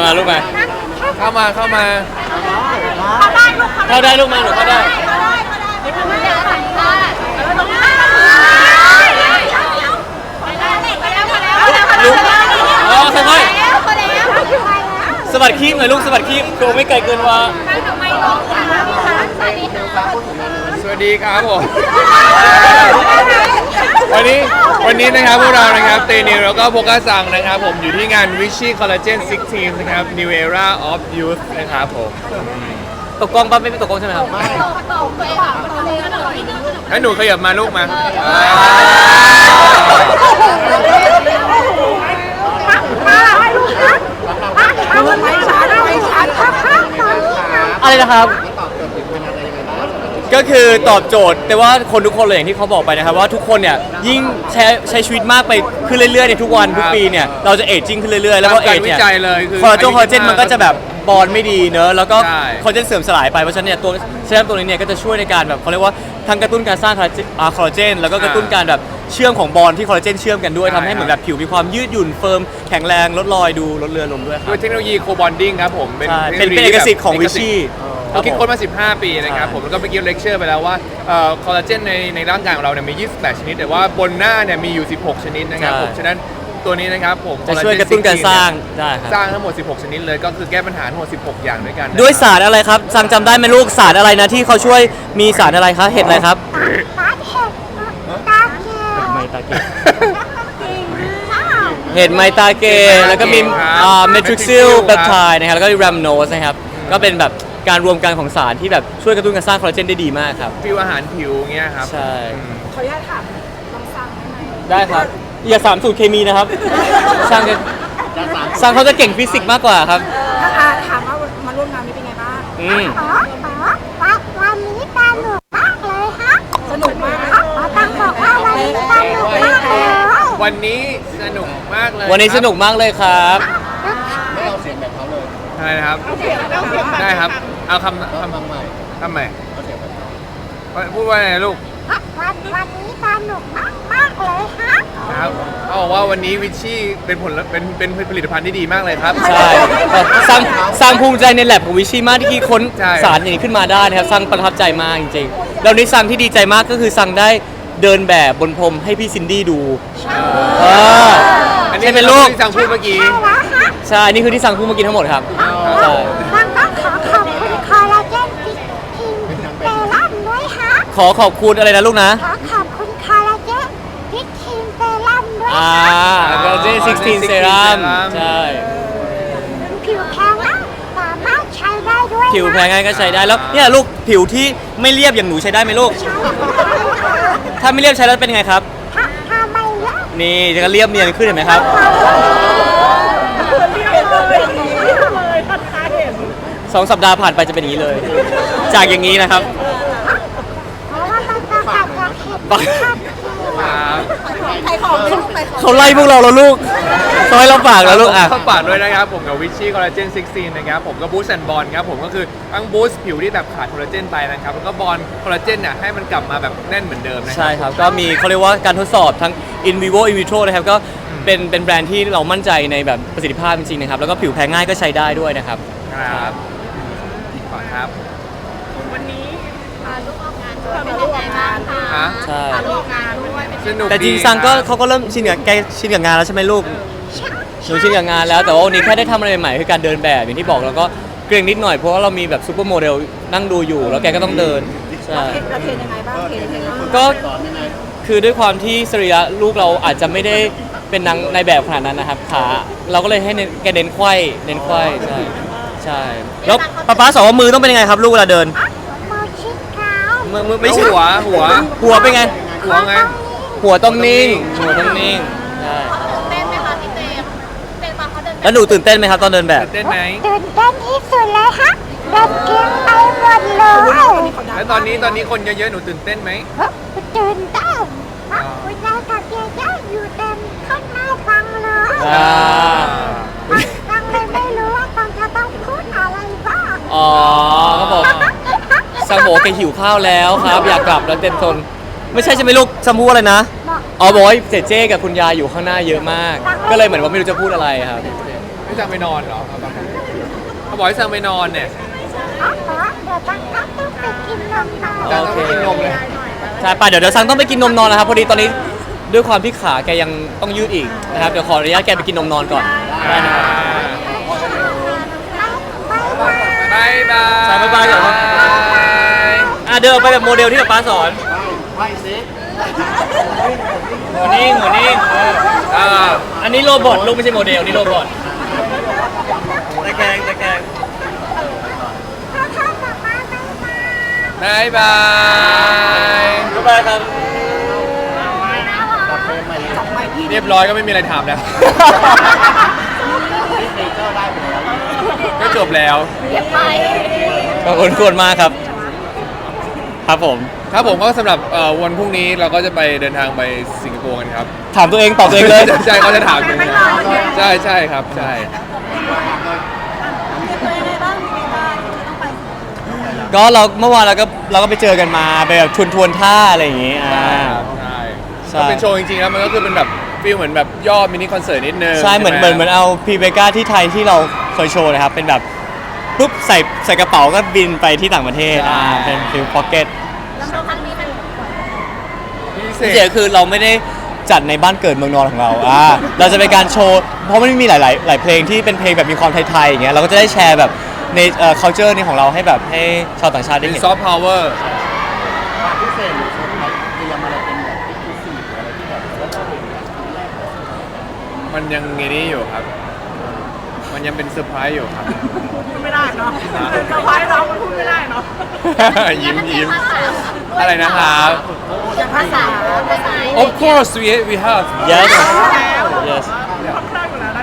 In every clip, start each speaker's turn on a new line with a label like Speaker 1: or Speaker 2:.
Speaker 1: มาลูกมา
Speaker 2: เข้ามา
Speaker 3: เข้าได้ลูก
Speaker 1: เข้าได้ลูกมาหนูเข้าได้ลูกอ๋อค่อยๆสะบัดขี้หน่อยลูกสะบัดขี้โกไม่ไกลเกินว่า
Speaker 2: สวัสดีครับผมวันนี้นะครับพวกเรานะครับเตนิวแล้วก็โบก้าซังนะครับผมอยู่ที่งาน Vichy Collagen 16 นะครับ New Era of Youth นะครับผม
Speaker 1: ตกกล้องปั๊บไม่เป็นตกกล้องใช่ไหมครับ
Speaker 2: ให้หนูขยับมาลูกมา
Speaker 1: อะไรนะครับก็คือตอบโจทย์แต่ว่าคนทุกคนเลยอย่างที่เขาบอกไปนะครับว่าทุกคนเนี่ยยิ่งใช้ชีวิตมากไปขึ้นเรื่อยๆในทุกวันทุกปีเนี่ยเราจะเอจจิ้งขึ้นเรื่อยๆแล้วก็เอจเนี่ยคอลลาเจนมันก็จะแบบบอลไม่ดีเนอะแล้วก็คอลลาเจนเสื่อมสลายไปเพราะฉะนั้นเนี่ยตัวเซรั่มตัวนี้เนี่ยก็จะช่วยในการแบบเขาเรียกว่าทั้งกระตุ้นการสร้างคอลลาเจนแล้วก็กระตุ้นการแบบเชื่อมของบอลที่คอลลาเจนเชื่อมกันด้วยทำให้เหมือนแบบผิวมีความยืดหยุ่นเฟิร์มแข็งแรงลดรอยดูลดเลือนลงด้วยครับ
Speaker 2: ด้วยเทคโนโลยีโคบอนดิ้งครับผม
Speaker 1: เป็นเอกสิทธิ์ของวิชี่
Speaker 2: เราคิดค้นมา15 ปีนะครับผมแล้วก็เมื่อกี้เลคเชอร์ไปแล้วว่าคอลลาเจนในร่างกายของเราเนี่ยมี28ชนิดแต่ว่าบนหน้าเนี่ยมีอยู่16ชนิดนะครับผมฉะนั้นตัวนี้นะครับผม
Speaker 1: จะช่วยกระตุ้นการสร้างได้ครับ
Speaker 2: สร้างทั้งหมด16ชนิดเลยก็คือแก้ปัญหาทั้งหมด16อย่างด้วยกัน
Speaker 1: ด้วยสารอะไรครับซังจำได้ไหมลูกสารอะไรนะที่เขาช่วยมีสารอะไรครับเห็ดอะไรครับเห็ดไมตาเกแล้วก็มีเมทริกซิลเปปไทด์นะครับแล้วก็แรมโนสนะครับก็เป็นแบบการรวมกันของสารที่แบบช่วยกระตุ้นการสร้างคอลลาเจนได้ดีมากครับ
Speaker 2: ฟิวอาหารผิวเงี้ยครับ
Speaker 1: ใช่
Speaker 3: ขออนุญาตถามลองสั่ง
Speaker 1: ได้ครับอย่า3 สูตรเคมีนะครับซังเขาจะเก่งฟิสิกส์มากกว่าครับ
Speaker 3: ถามว่ามาร่วมงานนี้เป็นไงบ้าง
Speaker 4: วันนี้สนุกมากเลยฮะ
Speaker 3: สนุกมาก
Speaker 4: ต้องบอกว่าวันนี้สนุกมากเลย
Speaker 2: วันนี้สนุกมากเลย
Speaker 1: วันนี้สนุกมากเลยครับ
Speaker 2: ไม่เอาเสียงแบบเขาเลยใช่ครับได้ครับเอาคำใหม่ทำใหม่พูดว่าไงลูก
Speaker 4: วันนี้สนุกมากเลยฮะ
Speaker 2: ครับเขาบอกว่าวันนี้วิชชี่เป็นผลิตภัณฑ์ที่ดีมากเลยครับ
Speaker 1: ใช่สร้างภูมิใจในแลบของวิชี่มากที่คิดค้นสารอย่างนี้ขึ้นมาได้นะครับสร้างประทับใจมากจริงๆแล้วนี้ซังที่ดีใจมากก็คือซังได้เดินแบบบนพรมให้พี่ซินดี้ดู
Speaker 2: อันนี้เป็นลูกที่ซังพูดเมื่อกี้
Speaker 1: ใช่นี่คือที่ซังพูดเมื่อกี้ทั้งหมดครับ
Speaker 4: ใช่ซังต้องขอขอบคุณคอลลาเจนพิกคิงเซรั่มด้วยฮะ
Speaker 1: ขอบคุณอะไรนะลูกนะ
Speaker 4: ขอบคุณคอลลาเจนพิกคิงเซรั่มด้วย
Speaker 1: คอลลาเจน16เซรั่มใช่
Speaker 4: ผิวแพ้ง่ายสามารถใช้ได้ด้วย
Speaker 1: ผิวแพ้ง่ายก็ใช้ได้แล้วเนี่ยลูกผิวที่ไม่เรียบอย่างหนูใช้ได้ไหมลูกถ้าไม่เรียบใช้แล้วเป็นไงครับ
Speaker 4: ถ้าไม่เรียบ
Speaker 1: นี่จะเรียบเนียนขึ้นเห็นไหมครับ2 สัปดาห์ผ่านไปจะเป็นอย่างนี้เลยจากอย่างนี้นะครับเขาไล่พวกเราแล้วลูกเขาให้เราฝากแล้วลูก
Speaker 2: เข้าฝากด้วยนะครับผมกับวิชชี่คอลลาเจน16นะครับผมก็บูสต์แอนด์บอลครับผมก็คือทั้งบูสต์ผิวที่แบบขาดคอลลาเจนไปนะครับแล้วก็บอลคอลลาเจนเนี่ยให้มันกลับมาแบบแน่นเหมือนเดิมนะ
Speaker 1: ใช่ครับก็มีเขาเรียกว่าการทดสอบทั้ง in vivo in vitro นะครับก็เป็นแบรนด์ที่เรามั่นใจในแบบประสิทธิภาพจริงๆนะครับแล้วก็ผิวแพ้ง่ายก็ใช้ได้ด้วยนะครับ
Speaker 2: ครับขอครับ
Speaker 3: วันนี้
Speaker 4: ลูกออกงานด้วยเป็นยังไงบ้างคะ
Speaker 1: ใช่
Speaker 4: ลูกออกงานด้วย
Speaker 2: สนุก
Speaker 1: แต่จริงซังก็เขาก็เริ่มชินกับงานแล้วใช่ไหมลูกหนูชินกับงานแล้วแต่ว่าวันนี้แค่ได้ทำอะไรใหม่คือการเดินแบบอย่างที่บอกแล้วก็เกรงนิดหน่อยเพราะว่าเรามีแบบซูเปอร์โมเดลนั่งดูอยู่แล้วแกก็ต้องเดิน
Speaker 3: ใช่เราเทรนยังไงบ้าง
Speaker 1: ก็คือด้วยความที่สรีระลูกเราอาจจะไม่ได้เป็นนางในแบบขนาดนั้นนะครับขาเราก็เลยให้แกเน้นไขว้ใช่แล้วป๊าสอนว่ามือต้องเป็นยังไงครับลูกเวลาเดิน
Speaker 4: มือชิดเท้า
Speaker 1: มือไม่ใช่หัวเป็นไง
Speaker 2: หัวไง
Speaker 1: หัวต้องนิ่งใช่
Speaker 4: ตื่นเต้นไหมคะพี่เจม
Speaker 1: แล้วหนูตื่นเต้นไหมครับตอนเดินแบบ
Speaker 2: ตื่นเต้นไหม
Speaker 4: ตื่นเต้นที่สุดเลยฮะเดินเก่งไปหมดเลย
Speaker 2: แล้วตอนนี้คนเยอะๆหนูตื่นเต้นไหม
Speaker 4: ตื่นเต้นคุณยายกับยายอยู่เต็มข้างหน้าฟังเลยฟังเลยไม่รู้ว่าฟังจะต้องพูดอะไรบ้าง
Speaker 1: เขาบอกซังโบแกหิวข้าวแล้วครับอยากกลับแล้วเต็มทนไม่ใช่ไม่ลูกซัมพูอะไรนะบอกว่าเจ๊กับคุณยายอยู่ข้างหน้าเยอะมากก็เลยเหมือนว่าไม่รู้จะพูดอะไรครับ
Speaker 2: ไม่จะไปนอนเหรอเขาบอกให้สั่งไปนอนเนี่ย
Speaker 4: อ๋อเดี๋ยวตั้งก็ต้องไปกินนมต่อ
Speaker 2: จะต้องไปกินนมเลย
Speaker 1: ใช่ป่ะเดี๋ยวซังต้องไปกินนมนอนนะครับพอดีตอนนี้ด้วยความที่ขาแกยังต้องยืดอีกนะครับเดี๋ยวขออนุญาตแกไปกินนมนอนก่อนได้นะครับ
Speaker 2: บายบาย
Speaker 1: สั่งบ๊ายบายก่อนครับ เดินออกไปแบบโมเดลที่ป๊าสอนหัวนิ่งอันนี้โรบอทลูกไม่ใช่โมเดลนี่โรบอทตะแกรง
Speaker 2: บายบาย
Speaker 1: บ๊ายบายครับ
Speaker 2: เรียบร้อยก็ไม่มีอะไรถามแล้วก็จบแล้ว
Speaker 1: ขอบคุณมากครับครับผม
Speaker 2: ครับผมก็สำหรับวันพรุ่งนี้เราก็จะไปเดินทางไปสิงคโปร์กันครับ
Speaker 1: ถามตัวเองตอบตัวเองเลย
Speaker 2: ใช่เขาจะถามผมใช่ครับใช่
Speaker 1: ก็เมื่อวานเราก็ไปเจอกันมาไปแบบทวนท่าอะไรอย่างงี้
Speaker 2: ใช่
Speaker 1: ใช่
Speaker 2: ก็เป็นโชว์จริงๆแล้วมันก็คือเป็นแบบฟีลเหมือนแบบย่อมินิคอนเสิร์ตนิดนึง
Speaker 1: ใช่เหมือนเอาพีเบกาที่ไทยที่เราเคยโชว์นะครับเป็นแบบปุ๊บใส่กระเป๋าก็บินไปที่ต่างประเทศเป็นฟิลพ็อกเก็ต
Speaker 2: พิเศ
Speaker 1: เสีย
Speaker 2: ษ
Speaker 1: คือเราไม่ได้จัดในบ้านเกิดเมืองนอนของเราเราจะเป็นการโชว์เพราะมันมีหลายเพลงที่เป็นเพลงแบบมีความไทยๆอย่างเงี้ยเราก็จะได้แชร์แบบในculture นี่ของเราให้แบบให้ชาวต่างชาติได้
Speaker 2: เป็น
Speaker 1: เห็น
Speaker 2: ซอฟต์พาวเวอร์มันยังไงนี้อยู่ครับ มันยังเป็นเซอร์ไพรส์อยู่ครับ
Speaker 3: ไม่ได้เนาะเซอร์ไพรส์เราพูดไม่ได้เนาะ
Speaker 2: ยิ้มอะไรนะครับ
Speaker 3: อย่างภาษา
Speaker 2: Of course we have
Speaker 1: yes
Speaker 3: แล้ว
Speaker 1: yes
Speaker 3: ค่อนข้างอยู่แล้วนั่น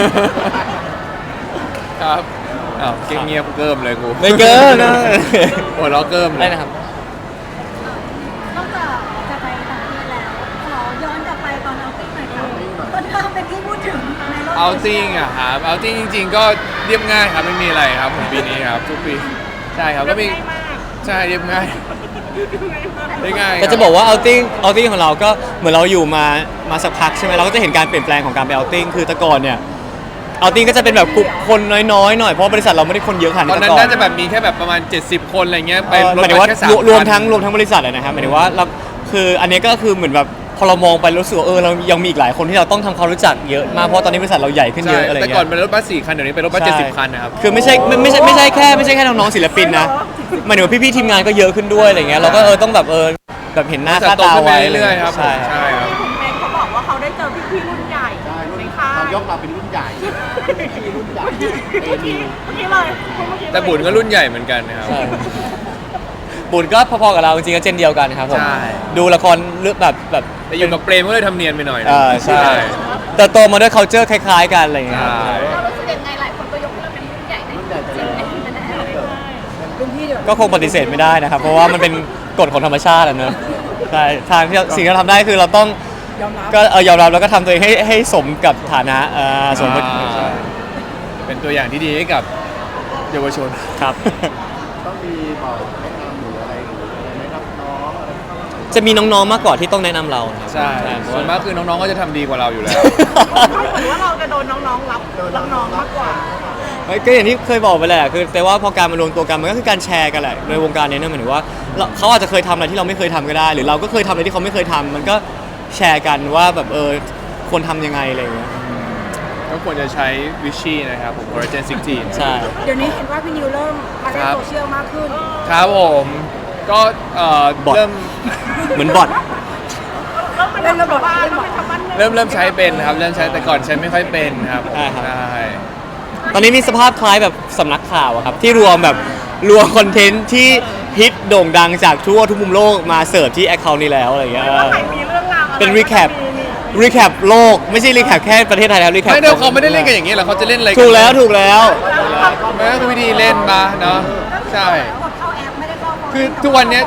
Speaker 2: ครับอ้าวเงียบเกิมเลยกู
Speaker 1: ไม่เกินนะ
Speaker 2: หัวเราะเกิมเล
Speaker 1: ได้
Speaker 2: ย
Speaker 1: นะครับ
Speaker 4: นอกจากจะไปต่างประเทศแล้วขอย้อนกลับไปตอนเอาติ้งหน่อยค่ะตอนที่เราเป็นที่พูดถึงในโลก
Speaker 2: เอาติ้งอะครับเอาติ้งจริง ๆ ก็เรียบง่ายครับไม่มีอะไรครับผมปีนี้ครับทุกปีใช่ครับก็มีใช่เรียบง่ายได้ง่าย
Speaker 1: ก็จะบอกว่าเอาติ้งของเราก็เหมือนเราอยู่มาสักพักใช่ไหมเราก็จะเห็นการเปลี่ยนแปลงของการไปเอาติ้งคือแต่ก่อนเนี่ยเอาติ้งก็จะเป็นแบบกลุ่มคนน้อยๆหน่อยเพราะบริษัทเราไม่ได้คนเยอะขนาด
Speaker 2: ตอน
Speaker 1: นี้
Speaker 2: นั้น
Speaker 1: ก่อน
Speaker 2: น่าจะแบบมีแค่แบบประมาณ70 คนอะไรเงี้ยไป
Speaker 1: หมายถึงว่า
Speaker 2: แค่3,000
Speaker 1: รวมทั้งบริษัทเลยนะครับหมายถึงว่าเราคืออันนี้ก็คือเหมือนแบบพอเรามองไปรู้สึกว่าเรายังมีอีกหลายคนที่เราต้องทำความรู้จักเยอะมากเพราะตอนนี้บริษัทเราใหญ่ขึ้นเย
Speaker 2: ใช่
Speaker 1: อะอะไร
Speaker 2: แต่
Speaker 1: เงี้
Speaker 2: ก่อน
Speaker 1: ย
Speaker 2: เป็นรถบัส4 คันเดี๋ยวนี้เป็นรถบัส
Speaker 1: ใช่
Speaker 2: 70 คันนะครับ
Speaker 1: คือไม่ใช่แค่น้องๆศิลปินนะหมายถึงว่าพี่ๆทีมงานก็เยอะขึ้นด้วยอะไรเงี้ยเราก็ต้องแบบแบบเห็นหน้า
Speaker 2: บริษั
Speaker 1: ค่า
Speaker 2: ทโต
Speaker 1: ตา
Speaker 2: ขึ้นไป
Speaker 1: ไว้
Speaker 2: เรื่อยๆครับ
Speaker 1: ใช่
Speaker 2: ใช่ครับ
Speaker 3: ผมเองเขาบอกว่าเขาได้เจอพี่ๆรุ่นใหญ่ในค่าย
Speaker 5: ยกเราเป็นรุ่นใหญ่พี่รุ่นใหญ่
Speaker 3: เมื่อกี้เลยเมื่อกี้เลย
Speaker 2: แต่บุญก็รุ่นใหญ่เหมือนกันนะครับ
Speaker 1: ใช่บุญก็พอๆกับเราจริงๆก็เจนเดียวกันครับผม
Speaker 2: ใช่
Speaker 1: ดูละครเรื่องแบบ
Speaker 2: แต่อยู่กับเปรมก็เลยทำเนียนไปหน่อยนะ
Speaker 1: ใช่แต่โตมาด้วย culture คล้ายๆกันอะไรอย่างเงี้ยครับ
Speaker 2: ใช่
Speaker 4: รู้สึกยังไงหลายคนก็ยกเราเป็นรุ่นใหญ่ในจริงๆ
Speaker 3: รุ่นพี่เดี๋ยว
Speaker 1: ก็คงปฏิเสธไม่ได้นะครับ เพราะว่ามันเป็นกฎของธรรมชาติอะเนอะใช่ทางที่สิ่งที่เราทำได้คือเราต้อง
Speaker 3: ยอมรับ
Speaker 1: ก็ยอมรับแล้วก็ทำตัวเองให้สมกับฐานะสมกับ
Speaker 2: ใช่เป็นตัวอย่างที่ดีให้กับเยาวชน
Speaker 1: ครับ
Speaker 5: ต้องมีบอกแนะนำหรืออะไรหรืออะไรไหมครับน้องอะไรเข้ามา
Speaker 1: จะมีน้องๆมากกว่าที่ต้องแนะนำเรานะครับ
Speaker 2: ใช่
Speaker 1: เพ
Speaker 2: ส่วน
Speaker 1: ราะ
Speaker 2: มากคือน้องๆก็จะทำดีกว่าเราอยู่แล้ว
Speaker 3: เหมือนว่าเราจะโดนน้องๆรับน้องๆมากกว่า
Speaker 1: ก็อย่างที่เคยบอกไปแหละคือแต่ว่าพอการมารวมตัวกันมันก็คือการแชร์กันแหละในวงการนี้เนี่ยหมายถึงว่าเขาอาจจะเคยทำอะไรที่เราไม่เคยทำก็ได้ หรือเราก็เคยทำอะไรที่เขาไม่เคยทำมันก็แชร์กันว่าแบบควรทำยังไงอะไรอย่างเงี้ย
Speaker 2: ก็ควรจะใช้วิชชี่นะครับผม Collagen 16
Speaker 1: ใช่
Speaker 3: เดี๋ยวนี้เห็นว่าพี่นิวเริ่มมาเล่นโซเชียลมากขึ้น
Speaker 2: ครับผมก็เริ่ม
Speaker 1: เหมือนบอท
Speaker 3: เล่นระบบเล่นระบบทำบ้าน
Speaker 2: เริ่มใช้เป็นครับเริ่มใช้แต่ก่อนใช้ไม่ค่อยเป็นครับผมใช่
Speaker 1: ตอนนี้มีสภาพคล้ายแบบสำนักข่าวอะครับที่รวมคอนเทนต์ที่ฮิตโด่งดังจากทั่วทุกมุมโลกมาเสิร์ฟที่แอคเคาท์นี้แล้วอะไรอย่างเงี้ย
Speaker 3: ว่าใครมีเรื่องราวอะไร
Speaker 1: เป็นรีแคปโลกไม่ใช่รีแคปแค่ประเทศไทยแล้วรีแคป
Speaker 2: ไม่ได้เขาไม่ได้เล่นกันอย่างนี้หรอกเขาจะเล่นอะไรกัน
Speaker 1: ถูกแล้ว
Speaker 2: มันก็คือวิธีเล่นมาเนาะใช่
Speaker 3: กดเข้าแอปไม่ได้เข้า
Speaker 2: คือทุกวันเนี้ย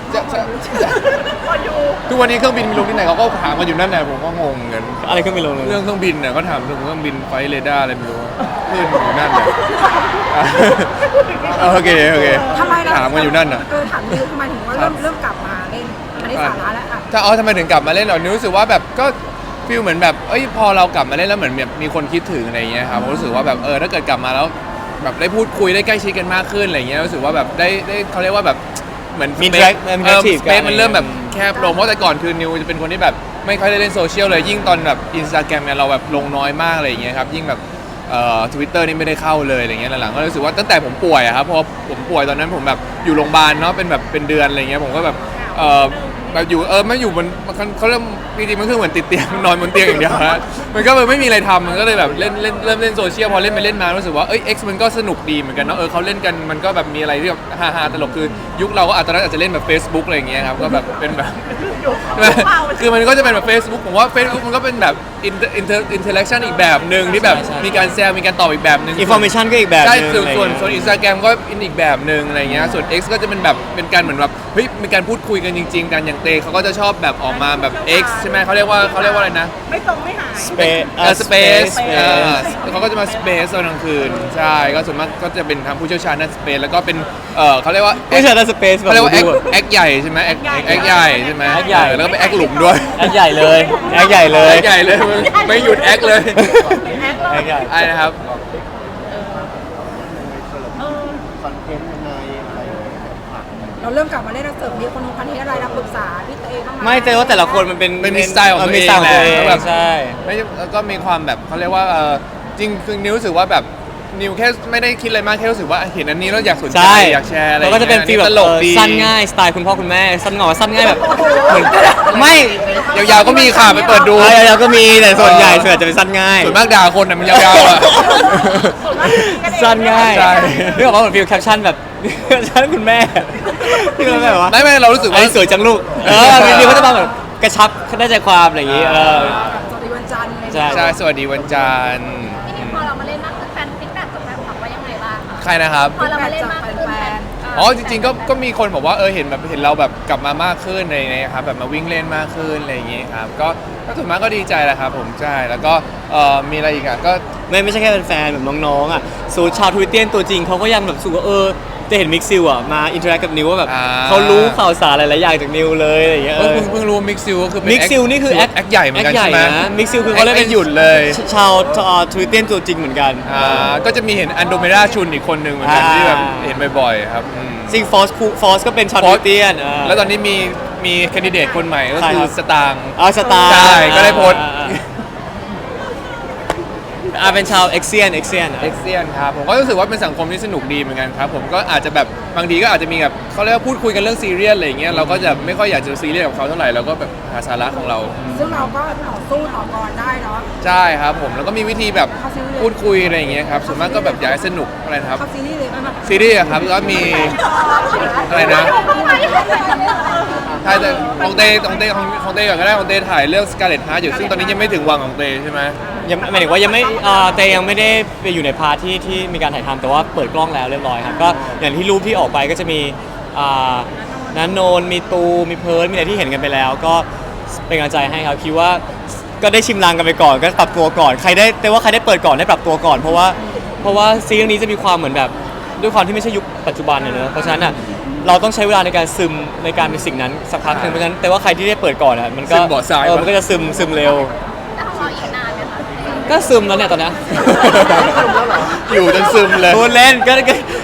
Speaker 2: ทุกวันนี้เครื่องบินมีลงที่ไหนเขาก็ถามกันอยู่นั่นแหละผมก็งงเหมือนกัน
Speaker 1: อะไรก็ไม่รู้เลย
Speaker 2: เรื่องเครื่องบินเนี่ยก็ถามถึงเครื่องบินไฟท์เรดาร์อะไรไม่รู้ขึ้นอยู่นั่นเลยโอเค
Speaker 3: ทำไมล่ะ
Speaker 2: ถามกันอยู่นั่นน่ะ
Speaker 3: ถามนิวทำไมถึงว่าเริ่มกลับมาเล่นอันนี้สาระแล้วอ่ะ
Speaker 2: ถ้าทำไมถึงกลับมาเล่นเหรอนิวรู้สึกว่าแบบก็ฟีลเหมือนแบบพอเรากลับมาเล่นแล้วเหมือนแบบมีคนคิดถึงอะไรอย่างเงี้ยครับผมรู้สึกว่าแบบถ้าเกิดกลับมาแล้วแบบได้พูดคุยได้ใกล้ชิดกันมากขึ้นอะไรเงี้ยรู้สึกว่าแบบได้เขาเรียกว่าแบบเหมือน
Speaker 1: มี
Speaker 2: space
Speaker 1: interactive
Speaker 2: สเปซมันเริ่มแบบแคบลงเพราะแต่ก่อนคือนิวจะเป็นคนที่แบบไม่ค่อยได้เล่นโซเชียลเลยยิ่งตอนแบบอินสตาแกรมเนี่ยเราแบบลงน้อยมากอะไรอย่างเงี้ยครับยิ่งแบบTwitter นี่ไม่ได้เข้าเลยอะไรเงี้ยหลังๆก็รู้สึกว่าตั้งแต่ผมป่วยอะครับพอผมป่วยตอนนั้นผมแบบอยู่โรงพยาบาลเนาะเป็นแบบเป็นเดือนอะไรเงี้ยผมก็แบบแบบอยู่ไม่อยู่บนเขาเริ่มจริงๆมันคือเหมือนติดเตียงนอนบนเตียงอย่างเดียวฮะมันก็เลยไม่มีอะไรทำมันก็เลยแบบเล่นเริ่มเล่นโซเชียลพอเล่นไปเล่นมารู้สึกว่าX มันก็สนุกดีเหมือนกันเนาะเขาเล่นกันมันก็แบบมีอะไรที่แบบฮาๆตลกคือยุคเราก็อาจจะเล่นแบบ Facebook อะไรอย่างเงี้ยครับก็แบบเป็นแบบ คือมันก็จะเป็นแบบ Facebook ผมว่า Facebook มันก็เป็นแบบinteraction อีกแบบหนึ่งที่แบบ
Speaker 1: ใช่
Speaker 2: มีการแซวมีการตอบอีกแบบหนึ่ง
Speaker 1: information ก็อีกแบบ
Speaker 2: ใช่
Speaker 1: หนึ่ง
Speaker 2: ส่วน
Speaker 1: อะไรเงี้ย
Speaker 2: ส่วน Instagram ก็อีกแบบหนึ่งอะไรเงี้ยส่วน X ก็จะเป็นแบบเป็นการเหมือนแบบเฮ้ยมีการพูดคุยกันจริงๆกันอย่างเตเขาก็จะชอบแบบออกมาแบบ X ใช่ไหมเขาเรียกว่าอะไรนะ
Speaker 3: ไม่ตรงไม่หาย
Speaker 1: space
Speaker 2: เขาก็จะมา Space ตอนกลางคืนใช่ก็ส่วนมากก็จะเป็นทางผู้เชี่ยวชาญด้าน Space แล้วก็เป็นเขาเรียกว่า
Speaker 1: ไม่ใช่ space
Speaker 2: เขาเรียกว่า
Speaker 1: แบบ
Speaker 2: แอคใหญ่ใช่ไหมแอคใหญ่ใช่ไหม
Speaker 1: แอคใหญ่
Speaker 2: แล้วก็เป็นแอคหลุมด้วย
Speaker 1: แอคใหญ่เลยแอคใหญ่เลย
Speaker 2: แอคใหญ่เลยไม่หยุดแอคเลย
Speaker 1: แอคใหญ่
Speaker 2: ไอ้นะครับ
Speaker 5: คอนเทนต์ยังไงอะไรอย่างเงี้ยฝากหน่อย
Speaker 3: เราเริ่มกลับมาเล่นหนังสือมีคนนู้นคนนี้อะไรเราปรึกษาพี่เตบ้างไหม
Speaker 1: ไม่แต่ว่าแต่ละคนมันเป็น
Speaker 2: มันมีสไตล์ของตัวเอง
Speaker 1: มีสไตล์ของตัวเอง
Speaker 2: แหละ
Speaker 1: ใช่
Speaker 2: ไม่แล้วก็มีความแบบเขาเรียกว่าจริงคือนิวรู้สึกว่าแบบนิวแค่ไม่ได้คิดอะไรมากแค่รู้สึกว่าเห็นอันนี้แล้วอยากสนใจ
Speaker 1: ใช่
Speaker 2: อยากแชร์อะไร
Speaker 1: แล้วก็จะเป็นฟีล
Speaker 2: ต
Speaker 1: แบบ
Speaker 2: ลกดี
Speaker 1: สั้นง่ายสไตล์คุณพ่อคุณแม่สั้นงอสั้นง่ายแบบเหมือนไม่
Speaker 2: ยาวๆก็มีค่ะไปเปิดดู
Speaker 1: ยาวๆก็มีแต่ส่วนใหญ่ส่วนใหญ่จะเป็นสั้นง่าย
Speaker 2: ส่วนมากด่าคนน่ะมันยาวๆอ่ะ
Speaker 1: สั้นง่าย
Speaker 2: ใช่
Speaker 1: นี่บอกว่าเหมือนฟีลแคปชั่นแบบ แคปชั่นคุณแม่ที่มันแบบว่า
Speaker 2: ไม่เรารู้สึก
Speaker 1: ไอ้
Speaker 2: ว่า
Speaker 1: สวยจังลูกมีเขาจะมาแบบกระชับได้ใจความอะไรอย่างงี้
Speaker 3: สวัสดีวันจันทร์อะไรอย่างเงี้ย
Speaker 1: ใช่
Speaker 2: ใช่สวัสดีวันจันทร์
Speaker 4: พี่นิวพอเรามาเล่นมากขึ้นแฟนฟีดแบ็กจากแฟนคลับว่ายังไงบ้างคะ
Speaker 2: ใครนะครับ
Speaker 4: พอเรามาเล่นมากขึ้นแฟน
Speaker 2: อ๋อจริงๆก็มีคนบอกว่าเห็นเราแบบกลับมามากขึ้นในครับแบบมาวิ่งเล่นมากขึ้นอะไรอย่างงี้ครับก็ส่วนมากก็ดีใจแหละครับผมใช่แล้วก็มีอะไรอีกอ่ะก็
Speaker 1: ไม่ใช่แค่เป็นแฟนแบบน้องๆอ่ะสูชาวทวิตเตียนตัวจริงเขาก็ยังแบบสูว่าจะเห็นมิกซิลอ่ะมาอินเทอร์แอคกับนิวว่าแบบเขารู้ข่าวสารหลายๆอย่างจากนิวเลยอะไรอย่างเงี้ย
Speaker 2: เพิ่งรู้มิกซิลก็คือเป็น
Speaker 1: มิกซิลนี่คือแอค
Speaker 2: ใหญ่เหมือนกันใช่ไหม
Speaker 1: มิกซิลคือเขาเล่น
Speaker 2: แอคไม่หยุดเลย
Speaker 1: ชาวทวิตเตียนตัวจริงเหมือนกัน
Speaker 2: ก็จะมีเห็นอันโดเมดาชุนอีกคนหนึ่งเหมือนกันที่แบบเห็นบ่อยๆครับอืม
Speaker 1: ซิงฟอสก็เป็นชาวทวิตเตียน
Speaker 2: แล้วตอนนี้มีแคนดิเดตคนใหม่ก็
Speaker 1: ใคร
Speaker 2: คื
Speaker 1: ครั
Speaker 2: อบ สตางค์
Speaker 1: สตาร์
Speaker 2: ใช่ก็ได้โพสต์
Speaker 1: เป็นชาวเอ็กเซียน
Speaker 2: เอ็กเซียนครับผมก็รู้สึกว่าเป็นสังคมที่สนุกดีเหมือนกันครับผมก็อาจจะแบบบางทีก็อาจจะมีแบบเขาเรียกว่าพูดคุยกันเรื่องซีเรียสอะไรอย่างเงี้ยเราก็จะไม่ค่อยอยากจะซีเรียสกับเขาเท่าไหร่เราก็แบบหาสาระของเรา
Speaker 3: ซึ่งเราก็ต่อสู้ต่อกรได้เนาะ
Speaker 2: ใช่ครับผมแล้วก็มีวิธีแบบพูดคุยอะไรอย่างเงี้ยครับส่วนมากก็แบบอยากให้สนุกอะไรนะครับ
Speaker 3: เข้าซีรีส์เลยไหม
Speaker 2: ซีรีส์อะครับแล้วก็มีอะไรนะใช่แต่ของเต้ก่อนก็ได้ของเต้ถ่ายเรื่อง Scarlet Heart อยู่ซึ่งตอนนี้ยังไม่ถึงวังของเต้ใช่ไหม
Speaker 1: ยังหมายถึงว่ายังไม่เตยังไม่ได้ไปอยู่ในพาร์ทที่มีการถ่ายทำแต่ว่าเปิดกล้องแล้วเรียบร้อยครับก็อย่างที่รูปที่ออกไปก็จะมีนันโนนมีตูมีเพิร์ลมีอะไรที่เห็นกันไปแล้ว ก็เป็นกำลังใจให้ครับคิดว่าก็ได้ชิมลางกันไปก่อนก็ปรับตัวก่อนใครได้เปิดก่อนได้ปรับตัวก่อนเพราะว่าซีรีส์นี้จะมีความเหมือนแบบด้วยความที่ไม่ใช่ยุคปัจจุบันเนอะเพราะฉะนั้นเราต้องใช้เวลาในการซึมในการเป็นสิ่งนั้นสักพักหนึงเพราะฉะนั้นแต่ว่าใครที่ได้เปิดก่อนมันก็
Speaker 2: ซึมบ่อทรายปะ
Speaker 1: มันก็จะซึมเร็ว
Speaker 4: แต่ของเราอีกนานไหมคะ
Speaker 1: ก็ซึมแล้วเนี่ยตอนเนี้ย
Speaker 2: อยู่จนซึมเลย
Speaker 1: พูดเล่นก็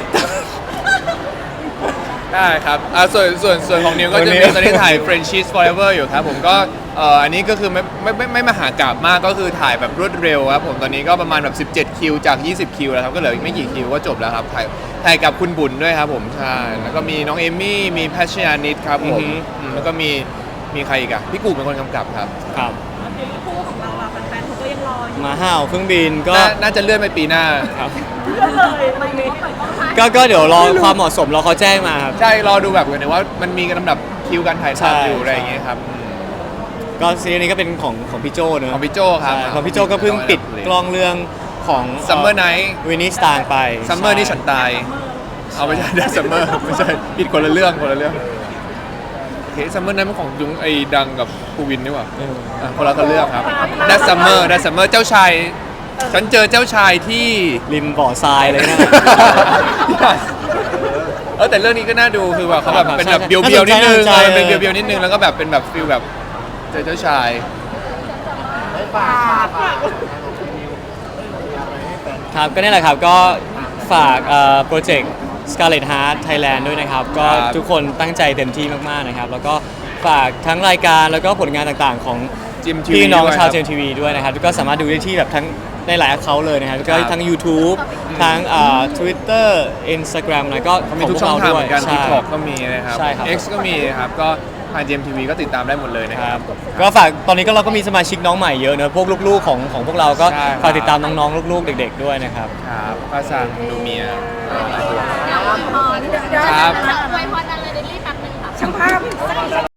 Speaker 2: ได้ครับส่วนของนิวก็จะมีตอนนี้ถ่าย Friendship Forever อยู่ครับผมก็อันนี้ก็คือไม่มหากาพย์มากก็คือถ่ายแบบรวดเร็วครับผมตอนนี้ก็ประมาณแบบ17คิวจาก20คิวแล้วครับก็เหลืออีกไม่กี่คิวก็จบแล้วครับถ่ายกับคุณบุญด้วยครับผมใช่แล้วก็มีน้องเอมี่มีแพชชยานิดครับผมแล้วก็มีใครอีกอะพี่กูเป็นคนกำกับครับ
Speaker 1: ครับ
Speaker 4: คู่ของเราอะแฟนๆเขาก็ยังรออยู่
Speaker 1: มาห้าวเครื่องบินก็
Speaker 2: น่าจะเลื่อนไปปีหน้า
Speaker 1: ครับ
Speaker 4: เลยไม่รู้ว่าเปิดกล้องถ่าย
Speaker 1: ก็เดี๋ยวรอความเหมาะสมรอเขาแจ้งมาครับ
Speaker 2: ใช่รอดูแบบกันว่ามันมีลำดับคิวการถ่าย
Speaker 1: ใช่
Speaker 2: ทำอยู่อะไรอย่างเงี้ยครับ
Speaker 1: ก็ซีรีส์นี้ก็เป็นของพี่โจเนอะ
Speaker 2: ของพี่โจครับ
Speaker 1: ใช่ของพี่โจก็เพิ่งปิดกล้องเรื่องของ
Speaker 2: Summer Night
Speaker 1: วินนี่สตางไป
Speaker 2: ซัมเมอร์นี่ฉันตาย เอาไม่ใช่ได้ซัมเมอร์ไม่ใช่ผิดคนละเรื่องโอเคซัมเมอร์นั้นมันของยุงไอ้ดังกับภูวินนี่หว่า
Speaker 1: เออ
Speaker 2: คนละเรื่องครับได้ซัมเมอร์เจ้าชายฉันเจอเจ้าชายที่
Speaker 1: ริมบ่อทรายเลยนะ
Speaker 2: แต่เรื่องนี้ก็น่าดูคือว่าเขาแบบเป็นแบบ
Speaker 1: ใช่
Speaker 2: เบียวๆนิดนึง
Speaker 1: น่าสนใจ
Speaker 2: เป็นเบียวๆนิดนึงแล้วก็แบบเป็นแบบฟิลแบบเจอเจ้าชาย
Speaker 1: ครับก็นี่แหละครับก็ฝฝากโปรเจกต์ Scarlet Heart Thailand ด้วยนะครับ ก็ทุกคนตั้งใจเต็มที่มากๆนะครับ แล้วก็ฝากทั้งรายการแล้วก็ผลงานต่างๆของ
Speaker 2: GMTV
Speaker 1: พี่น้อง
Speaker 2: ด้วย
Speaker 1: ชาว
Speaker 2: ครับ
Speaker 1: GMTV ด้วยนะครับก็สามารถดูได้ที่แบบทั้งในหลายแอคเคาท์เลยนะครับแล้วก็
Speaker 2: ครับ
Speaker 1: ทั้ง YouTube ทั้งTwitter Instagram แล้วก็
Speaker 2: เขามีทุกช่องทางเหมือนกัน
Speaker 1: ใช่
Speaker 2: TikTok ก็มีนะครับ
Speaker 1: ใช่ครับ
Speaker 2: X ก็มีครับก็ทาง GMTV ก็ติดตามได้หมดเลยนะ
Speaker 1: ค
Speaker 2: ค
Speaker 1: รั
Speaker 2: รั
Speaker 1: บบ ก็ฝากตอนนี้ก็เราก็มีสมาชิกน้องใหม่เยอะเนอะพวกลูกๆของพวกเราก็
Speaker 2: ใช่ครับ
Speaker 1: ฝากติดตามน้องๆลูกๆเด็ก ๆด้วยนะครับ
Speaker 2: ครับก็สั่งดูเมีย
Speaker 3: ครับ
Speaker 2: ครับ
Speaker 3: ช่างภาพ